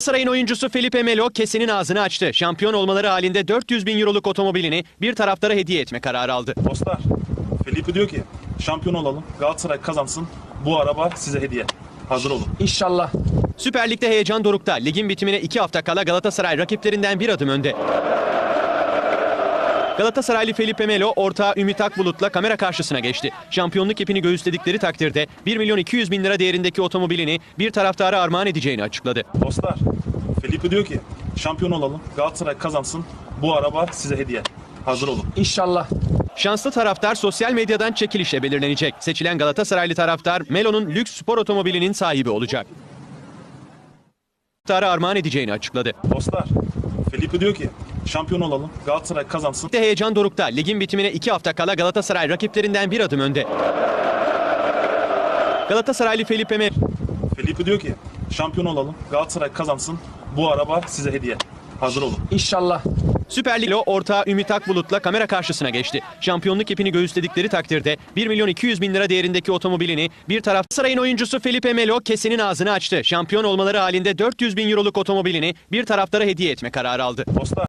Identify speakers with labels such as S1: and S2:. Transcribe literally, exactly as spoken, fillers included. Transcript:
S1: Galatasaray'ın oyuncusu Felipe Melo kesenin ağzını açtı. Şampiyon olmaları halinde dört yüz bin euroluk otomobilini bir taraftara hediye etme kararı aldı.
S2: Dostlar, Felipe diyor ki şampiyon olalım, Galatasaray kazansın, bu araba size hediye. Hazır olun.
S3: İnşallah.
S1: Süper Lig'de heyecan dorukta. Ligin bitimine iki hafta kala Galatasaray rakiplerinden bir adım önde. Galatasaraylı Felipe Melo ortağı Ümit Akbulut'la kamera karşısına geçti. Şampiyonluk ipini göğüsledikleri takdirde bir milyon iki yüz bin lira değerindeki otomobilini bir taraftara armağan edeceğini açıkladı.
S2: Dostlar, Felipe diyor ki şampiyon olalım, Galatasaray kazansın, bu araba size hediye. Hazır olun.
S3: İnşallah.
S1: Şanslı taraftar sosyal medyadan çekilişle belirlenecek. Seçilen Galatasaraylı taraftar Melo'nun lüks spor otomobilinin sahibi olacak. Taraftara armağan edeceğini açıkladı.
S2: Dostlar, Felipe diyor ki şampiyon olalım, Galatasaray kazansın.
S1: Ligde heyecan dorukta. Ligin bitimine iki hafta kala Galatasaray rakiplerinden bir adım önde. Galatasaraylı Felipe Melo
S2: Felipe diyor ki şampiyon olalım, Galatasaray kazansın, bu araba size hediye. Hazır olun.
S3: İnşallah.
S1: Süper Lig'de ortağı Ümit Akbulut'la kamera karşısına geçti. Şampiyonluk ipini göğüsledikleri takdirde bir milyon iki yüz bin lira değerindeki otomobilini bir taraf Saray'ın oyuncusu Felipe Melo kesenin ağzını açtı. Şampiyon olmaları halinde dört yüz bin euroluk otomobilini bir taraftara hediye etme kararı aldı.
S2: Dostlar,